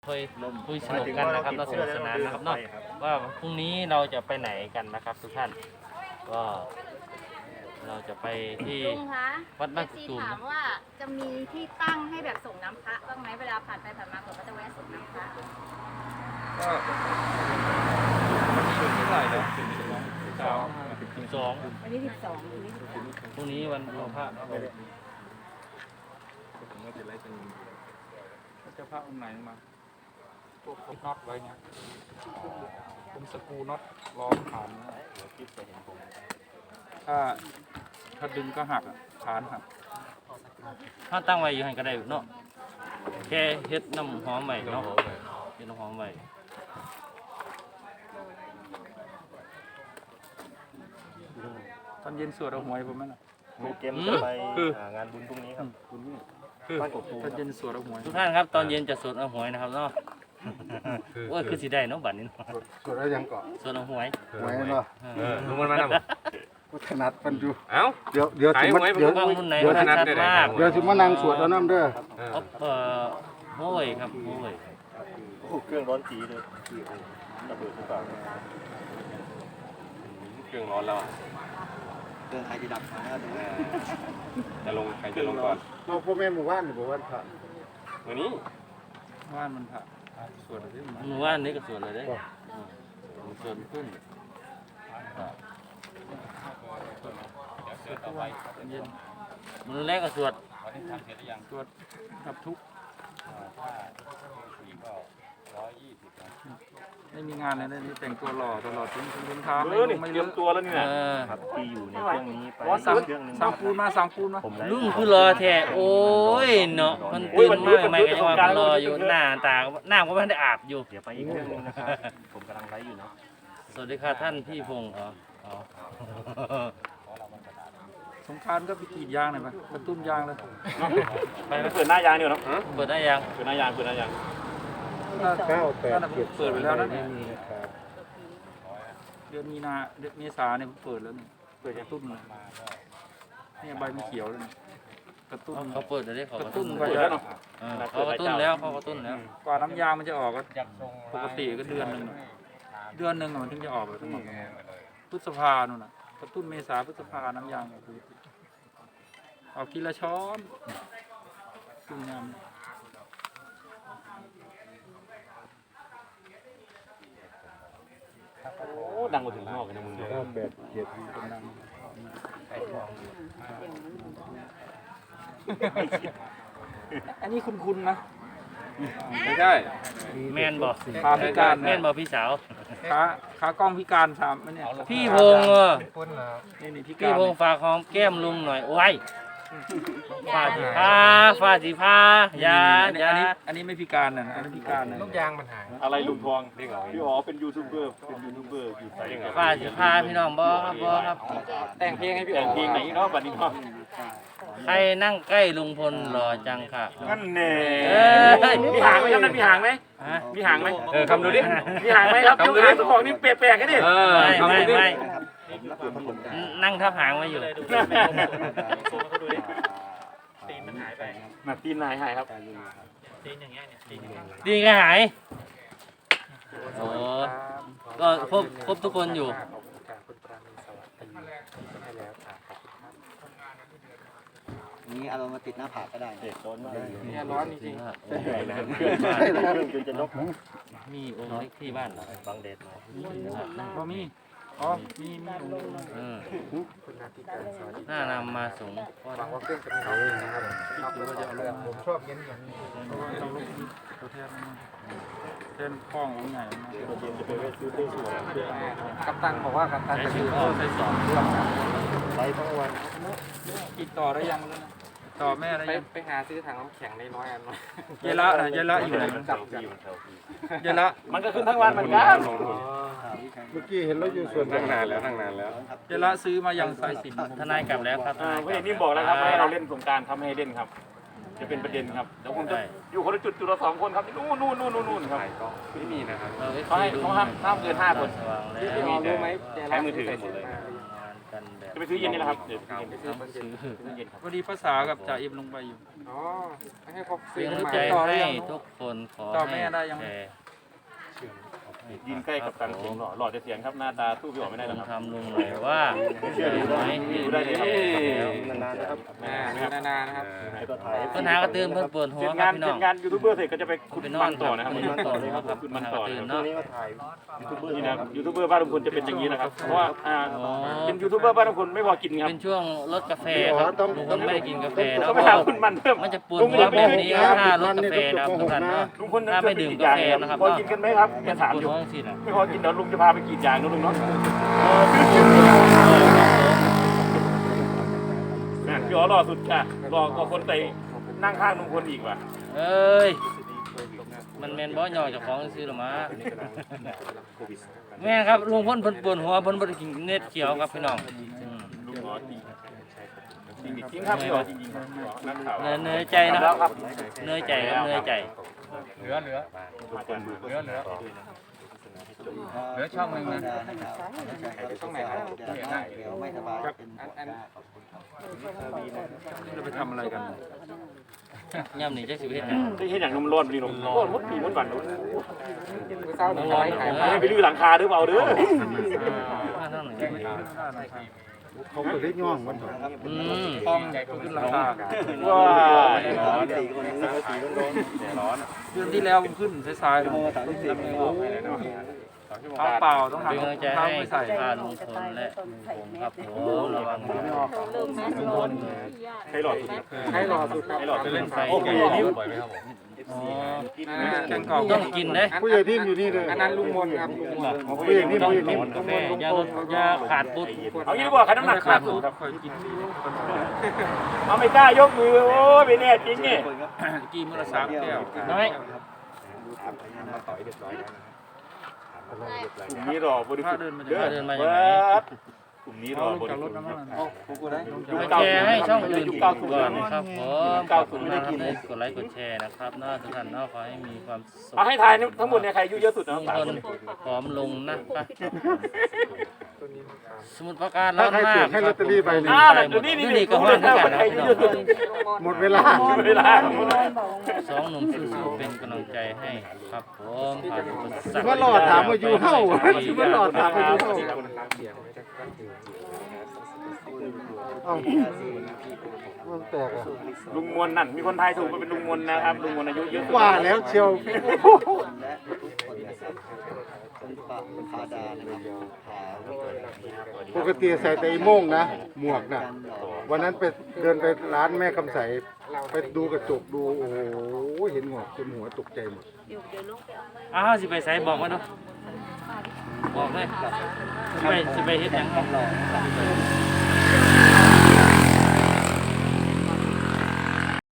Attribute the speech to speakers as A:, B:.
A: คุยสนุกกันนะครับเราสนุกสนานนะครับเนาะว่าพรุ่งนี้เราจะไปไหนกันนะครับทุกท่านก็เราจะไปที่
B: ลุงคะ
A: วัดบ้านกุ
B: ซี
A: ตุม
B: ถามว่าจะมีที่ตั้งให้แบบส่งน้ำพระบ้างไหมเวลาผ่านไปผ่านมาผมก็จะแวะส่งน้ำพระ
C: ก็วันนี้วันที่เท่าไหร่แล้ว
A: 12
B: วันที่12วันที่
A: พรุ่งนี้วันพระครับผม
C: เจ้าพระองค์ไหนมาพวกน็อตไว้เนี่ยผมสกรูน็อตล้อมฐานถ้าดึงก็หักฐานหัก
A: ถ้าตั้งไว้อยู่ให้ก็ได้เนาะแค่เฮ็ดน้ำหอมไว้เนาะเฮ็ดน้ำหอมไว้
C: ตอนเย็นสวดเอาหวยผมไหมล่ะ
D: มีเกมจะไปงานบุญพรุ่งนี้ครับบ้านกกตูม
C: ตอนเย็นสวดเอาหวย
A: ทุกท่านครับตอนเย็นจะสวดเอาหวยนะครับเนาะโอ้ยคือสิได้เนาะบัดนี้
E: ส่วนอะไรยังเกาะ
A: สวดเอาหวย
E: หวยเนาะ
D: ลุงมันมาทำ
E: กูถนัดมันอยู่
D: เอ้า
E: เดี๋ยวสิมา
A: เดี๋ยวบางรุ่นไหนถนัดมาก
E: เดี๋ยวสิมานั่งสวดเอาน้ำเด้อ
A: โอ้ยครับโอ้ย
D: เครื่องร้อนจีเลยระเบิดหรือเปล่าเครื่องร้อนแล้วเครื่องใครจะดับมาจะลงใครจะลงก่อน
E: เราพ่อแม่หมู่บ้านหมู่บ้านผ่าน
D: วันนี้
C: ว่านมันผ่าสวดอะไรมา
A: หนูว่านี่ก็สวดเลยได้สวดขึ้น
C: สวดทุกวันตอนเย็น
A: มือแรกก็สวด
C: สวดดับทุกข์ไม่มีงานเลยนี่แต่งตัวหล่อตลอดทิ้งเท้าไม่
D: เตรียมตัวแล้วเนี่ย
A: ครับ
D: ที่อยู่ในเครื่องนี้ไป
C: สั่ง
D: เครื่องนึง
C: สั่งปูนมาสั่งปูนมา
A: ลุงคือรอแท้โอ้ยเนาะมันตื่นมากไหมก็ยังว่ารออยู่หน้าตาหน้าก็ไม่ได้อาบอยู่
D: เดี๋ยวไปอีกเครื่องนึงนะครับผมกำลังไลฟ์อยู่เนาะ
A: สวัสดีค่ะท่านพี่พงศ์อ๋อ
C: สงกรานต์ก็ไปกรีดยางหน่อยปะกระตุ้มยางเลย
D: ไปเปิดหน้ายางดีกว่าเนาะ
A: เปิดได้ยัง
D: เปิดหน้ายางเปิดหน้ายาง
C: นั่นผมเปิดไปแล้วนะเดือนมีนาเดือนเมษาเนี่ยผมเปิดแล้วเนี่ยเปิดกระตุ้นเลยเนี่ยใบมันเขียวเลยกระตุ้น
A: เขาเปิดได้เขา
C: กระตุ้น
D: เปิดแล้วเนาะ
A: เขากระตุ้นแล้วเขากระตุ้นแล้ว
C: กว่าน้ำยางมันจะออกก็ปกติก็เดือนหนึ่งมันถึงจะออกเลยทั้งหมดพฤษภานู่นน่ะกระตุ้นเมษาพฤษภาน้ำยางออกทีละช้อนตุ้มยาง
D: โอ้ดังมาถึงนอกกันนะมึงเนี่ย
E: แบบเจ็ด
C: อันนี้คุณนะ
D: ไม่ใช่
A: แม่นบอก
C: ขาพิการ
A: แม่นบอกพี่สาว
C: ขากล้องพิการสามเนี่ย
A: พี่พงศ์
C: นี่พิ
A: พี่
C: การ
A: พงศ์ฝากหอมแก้มลุงหน่อยโอ้ยฟาสีผ้ายา
C: อันนี้ไม่พิการนะอันนี้พิการนะ
E: ลูกยางมันหาย
D: อะไรลุงทองพี่อ๋อเป็นยูทูบเบอร์อยู่ไสยังไง
A: ฟาสีผ้าพี่น้องบ่ครับ
C: แต่งเพลงให้พี่
D: แต่งเพลงไหนเนาะบัดนี้เนาะ
A: ใครนั่งใกล้ลุงพลหล่อจังค่ะ
D: นั่นแน่
A: มีหางไหมครับนั่นมีหางไหม
D: มีหางไหมคำดูดิมีหางไหมครับคำดูดิตัวของนี่แปลกๆกันดิ
A: ไม่นั่งทับหางไว้อยู่
D: ตีนมันหายไปตีนหายครับ
A: ดีก็หายโอ้ก็ครบทุกคนอยู่
F: นี้เอามาติดหน้าผากก็ได้
D: เด็กโดนมากเลย
C: เนี่ยร้อนจริง
D: ใหญ่นะเครื่องจนจะนก
A: มีองค์เล็กที่บ้านเหรอ
D: บังเดชมา
C: ๆพอมีอ๋อมี
A: น่านำมาสูง
E: ผมชอบเย็นอย่างนี้
C: ตัวแทนคล้ององค์ใหญ่มาก
D: จะไปเวทซื้อตู้สวย
E: กัปตันบอกว่ากัปตัน
A: ใช้
E: จะ
A: ชื่
E: ซื้
A: อ
E: อ
A: พ่อใช้สอง
D: ไลฟ์ทั้งวัน
C: ติดต่อได้ยังต่อแม่ได้ยัง
F: ไปหาซื้อถังน้ำแข็งในน้อยอันมา
C: เยละนะเยละอยู่ไหนเยละ
D: มันก็ขึ้นทั้งวันเหมือนกัน
E: เมื่อกี้เห็นแล้วอยู่ส่วน
D: ตั้งนานแล้วตั้งนานแล้ว
C: เยละซื้อมายังสายสิญจน์
A: ทนายกลับแล้วครับทนายก
D: พี่
A: ลับ
D: นี่บอกแล้วครับให้เราเล่นสงการครับให้เล่นครับ จะเป็นประเด็นครับเดี๋ยวผมจะอยู่คนละจุดละ2 คนครับนู่นครับไม่มีนะครับเขาห้ามเกิน5 คน
A: สว่างแล้ว
D: ไม่มีรู้ไหมใช้มือถือหมดเลย
A: งานกันแบบ
D: จะไปซื้อเย็นนี่แหละครับเดี๋ยวไปซื้อ
A: ต้องซื้อ
D: เย็นครับ
C: พอดีภาษากับจ่าอิมลงไปอยู่
E: อ๋อให้เขา
A: เป็น
E: ซื้อก
A: ำลัง
E: มา
A: ใจ
C: ต่อได้
A: ให้
C: ยัง
A: ทุกคนขอ
C: ต่อ
A: ให้
C: แม่ได้ยัง
A: แชร์
D: ยืนใกล้กับตันเสียงหล่อจะเสียงครับหน้าตาสู้พี่อ๋อไม่ได้
A: ล
D: แล้ว
A: อง
D: ครับ
A: ทำลุงหน่อยว่าเชื่อไหมที่
D: ดูได้เลยครับ
A: แล้ว
E: นานๆนะครับนานๆนะครับ
A: ปัญหากระตือนเพิ่นปวดหั
D: เสร็
A: ว
D: จ
A: ครั
D: งา
A: บ
D: น
A: พี่
D: เส
A: น้
D: ร็
A: อง
D: จงานยูทูบเบอร์เสร็จก็จะไปขุด
A: ไปน
D: มั
A: อน
D: นต่อนะครับ
A: ไปนอนต่อเลยครับ
D: ขุดมัน
A: ปัญหา
D: ต่
A: ก
D: อ
A: ระตื
D: นะ
A: อน
D: ครับ
A: เนาะ
D: นี่นะยูทูบเบอร์บ้านลุงพลจะเป็นอย่างนี้นะครับเพราะว่า
A: อ๋อ
D: เป็นยูทูบเบอร์บ้านลุงพลไม่พอกินครับ
A: เป็นช่วงลดกาแฟครับลุงพลไม่ได้กินกาแฟนะ
D: ก็
A: เพ
D: ไป
A: ราะ
D: หา
A: ว่า
D: คุณมันเพิ่ม
A: มันจะปวดหัวแบบนี้ถ้าลดกาแฟนะครับทุกท่านเนาะ
D: ลุงพล
A: ถ้าไม่ดื่มกาแฟนะครับ
D: พอกินกันไหมครับแก
A: มัน
D: ถาม
A: ปวด
D: อยู่
A: หัวจริงๆนะ
D: ไม่พอกินเดี๋ยวลุงจะพาไปกรีดยางนะลุงเนาะพี่อ๋อรอสุดค่ะรอกว่าคนไปนั่งข้างลุงพลอีกว่ะ
A: เอ้ยมันแม่นบ่ย่อเจ้าของซื้อหรอมาแม่ครับลุงพลเพิ่นปวดหัวเพิ่นบ่ได้กินเน็ตเขียวครับพี่น้องอืม
D: ลุงอ๋อจริงจริงครับพี่อ๋อจริงๆครับนักข่าว
A: เหนื่อยใจนะครับเหนื่อยใจครับเหนื่อยใจ
E: เหลือช่องหนึ่งนะ
F: ช่องไหนครับเดี๋ยวไม่สบายเป็น
C: จะไปทำอะไรกัน
A: ย่ำนี่จักสิเฮ็ดหยัง
D: ที่เห็นอย่างนมร้อนนี่นมร้อนมดปีมดหวาน
E: เศร้าหนึ่งไว้ขาย
D: ไม่ไปลื้อหลังคาหรือเปล่าเด้อ
A: มาทางไหน
E: เขาไปเล่นย่องมัน
A: อืม
C: ห้องขึ้นราคา
D: ว้า
F: ร้อนสี่คนนี้สี่คนโดน
C: เดือนที่แล้วขึ้นสายๆเลยเท้าเปล่าต้องหา
A: เป็นกำลังใจ
C: เท้า
A: ให้
C: ไม่ใส่
A: พาลุงพลและผมครับผมระวังนะลุงพล
D: ใครหลอดสุด
E: ให้รอสุดครับ
D: ใครหลอด
A: จะ
D: จะ
A: เล่
D: เล่
A: น
D: น
A: ไฟ
D: โอ้โห
A: อ๋อ
C: แกงกรอบ
A: ต้องกินเด้
E: ผู้ใหญ่ทีมอยู่นี่เลยอันนั้นลุงมนครับลุงมนผู้ใหญ่ทีม
A: ต้อง
E: ผู้ใหญ่ที
A: กิ
E: ม
A: นกาแฟอย่าลดอย่าขาดปุ๊บ
D: เอางี้ดีกว่าใครน้ำหนักขาดสุด
C: คอยกิน
D: เอาไม่กล้ายกมือโอ้ยไม่แน่จริงนี่
C: กี่มื้อละ3แก้ว
A: น้อย
D: กลุ่มนี้รอบริสุทธิ์กลุ่มนี้รอบริ
C: จากร
D: สุ
C: ถ
D: ทธิ์
C: น้ำมัน
A: ไปแชร์ให้ช่องอื่นก่อนนะครับผม
D: เก้า
A: ขอบ
D: ศู
A: คุ
D: น
A: ณ
D: ย์ไม่
A: มาก
D: ได้
A: ครับ
D: กิน
A: ที่กดไลค์กดแชร์นะครับเนาะทุกท่านเนาะขอให้มีความสุข
D: เอาให้ทายทั้งหมดเนี่ยใครอายุเยอะสุดนะ
A: ลุง
D: สาม
A: พ
D: ค
A: ล
D: น
A: ผอมลงนะครับสมุดประการร้อนมาก
E: ให้ลอตเตอรี่ใบหนึ่ง
D: อ้าวเดี๋ยวนี่
A: ก็ห้อนเท่ากันนะ
D: ใคร
A: พี่
D: อา
A: น้
D: ยุ
A: อง
D: เยอะสุด
E: หมดเวลา
D: เวลา
A: สองหนุ่มสู้ๆเป็นกำลังใจให้ครับผมผ่านอุปสรรค
E: ว่าหลอดถามมาอยู่เฮ้าว่าหลอดถามมาอยู่เฮ้าเอ้ามันแตกอ่ะ
D: ลุงมวลนั่นมีคนไทยถูกเป็นลุงมวลนะครับลุงมวลอายุเยอะสุด
E: ว่าแล้วเชียว
F: และทุกคนนะครับคุณปะพาดานะครับพา
E: ปกติใส่แต่อีโม่งนะ หมวกน่ะ วันนั้นไปเดินไปร้านแม่คำใสไปดูกระจกดูโอ้โหเห็นหงอกจนหัวตกใจหมด
A: อ้าวสิไปใส่บอกมาดูบอกเลยสิไปเฮ็ดหยัง